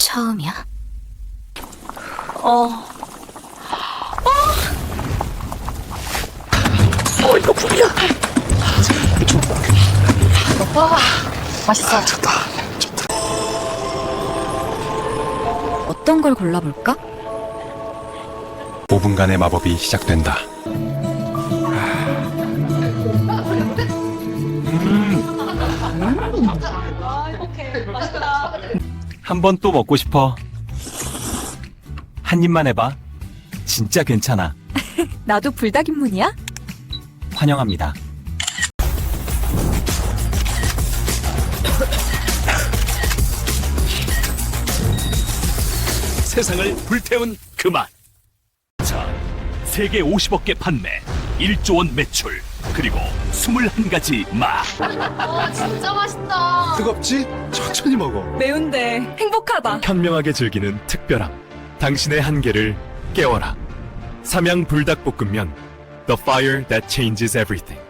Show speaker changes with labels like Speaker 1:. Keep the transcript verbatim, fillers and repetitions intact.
Speaker 1: 처음이야?
Speaker 2: 어. 어, 이거 불이야. 와, 맛있어.
Speaker 3: 좋다. 좋다.
Speaker 1: 어떤 걸 골라볼까?
Speaker 3: 오 분간의 마법이 시작된다.
Speaker 4: 한 번 또 먹고 싶어. 한 입만 해봐. 진짜 괜찮아.
Speaker 1: 나도 불닭 입문이야?
Speaker 4: 환영합니다.
Speaker 5: 세상을 불태운 그 맛. 자, 세계 오십억 개 판매, 일조 원 매출, 그리고 스물한 가지 맛.
Speaker 2: 와, 진짜 맛있다.
Speaker 3: 뜨겁지? 천천히 먹어.
Speaker 1: 매운데 행복하다.
Speaker 5: 현명하게 즐기는 특별함. 당신의 한계를 깨워라. 삼양 불닭볶음면. The fire that changes everything.